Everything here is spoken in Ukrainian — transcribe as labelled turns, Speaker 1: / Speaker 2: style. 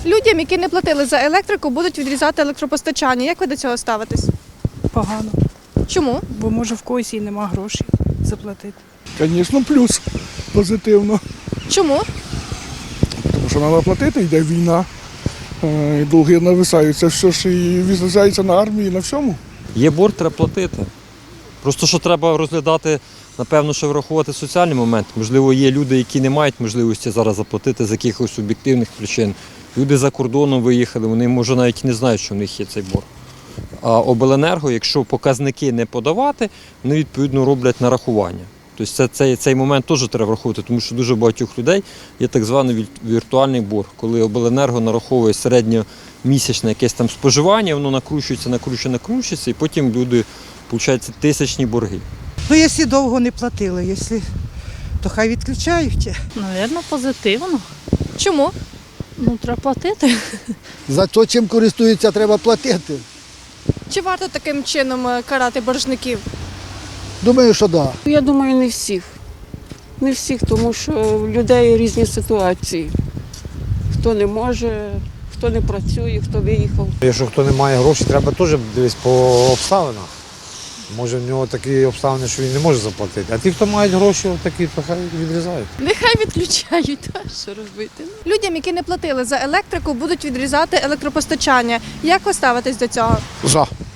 Speaker 1: Людям, які не платили за електрику, будуть відрізати електропостачання. Як ви до цього ставитесь?
Speaker 2: Погано,
Speaker 1: Чому?
Speaker 2: бо може в когось і нема грошей заплатити.
Speaker 3: Звісно, плюс позитивно.
Speaker 1: Чому?
Speaker 3: Тому що треба платити, йде війна, долги нависають. Це все ж і відзначається на армії, на всьому.
Speaker 4: Є борг, треба платити. Просто що треба розглядати, напевно, що врахувати соціальний момент. Можливо, є люди, які не мають можливості зараз заплатити з якихось об'єктивних причин. Люди за кордоном виїхали, вони, може, навіть і не знають, що в них є цей борг. А обленерго, якщо показники не подавати, вони, відповідно, роблять нарахування. Тобто цей момент теж треба враховувати, тому що дуже багатьох людей є так званий віртуальний борг, коли обленерго нараховує середньомісячне якесь там споживання, воно накручується, і потім люди, виходить, тисячні борги.
Speaker 5: Ну, якщо довго не платили, то хай відключають.
Speaker 6: Навірно, позитивно.
Speaker 1: Чому?
Speaker 6: Ну, треба платити.
Speaker 7: За те, чим користуються, треба платити.
Speaker 1: Чи варто таким чином карати боржників?
Speaker 7: Думаю, що так. Да.
Speaker 8: Я думаю, не всіх. Не всіх, тому що в людей різні ситуації. Хто не може, хто не працює, хто виїхав.
Speaker 9: Якщо хто не має грошей, треба теж дивитися по обставинах. Може, в нього такі обставини, що він не може заплатити. А ті, хто мають гроші, такі, то хай відрізають.
Speaker 6: Нехай відключають, та що робити.
Speaker 1: Людям, які не платили за електрику, будуть відрізати електропостачання. Як ви ставитесь до цього?
Speaker 3: За.